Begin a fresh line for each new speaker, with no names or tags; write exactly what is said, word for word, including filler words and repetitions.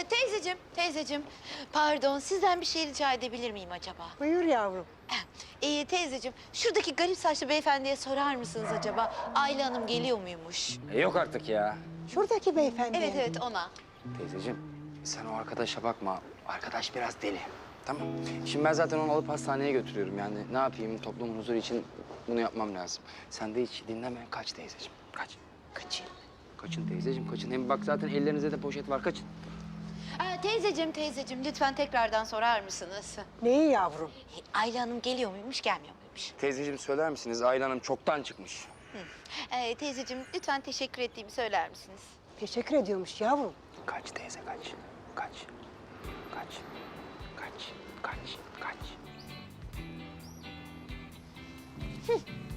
teyzeciğim, teyzeciğim. Pardon, sizden bir şey rica edebilir miyim acaba?
Buyur yavrum.
Ee, teyzeciğim, şuradaki garip saçlı beyefendiye sorar mısınız acaba? Ayla Hanım geliyor muymuş?
E, yok artık ya.
Şuradaki beyefendi.
Evet, evet, ona.
Teyzeciğim sen o arkadaşa bakma. Arkadaş biraz deli. Tamam. Şimdi ben zaten onu alıp hastaneye götürüyorum. Yani ne yapayım toplumun huzuru için bunu yapmam lazım. Sen de hiç dinleme. Kaç teyzeciğim. Kaç.
Kaçayım.
Kaçın teyzeciğim kaçın. Hem bak zaten ellerinizde de poşet var. Kaçın.
Ee, teyzeciğim, teyzeciğim, lütfen tekrardan sorar mısınız?
Neyi yavrum?
Ee, Ayla Hanım geliyor muymuş, gelmiyor muymuş?
Teyzeciğim söyler misiniz? Ayla Hanım çoktan çıkmış.
Ee, teyzeciğim, lütfen teşekkür ettiğimi söyler misiniz?
Teşekkür ediyormuş yavrum.
Kaç teyze kaç. Kaç. Kaç. Kaç. Kaç. Kaç.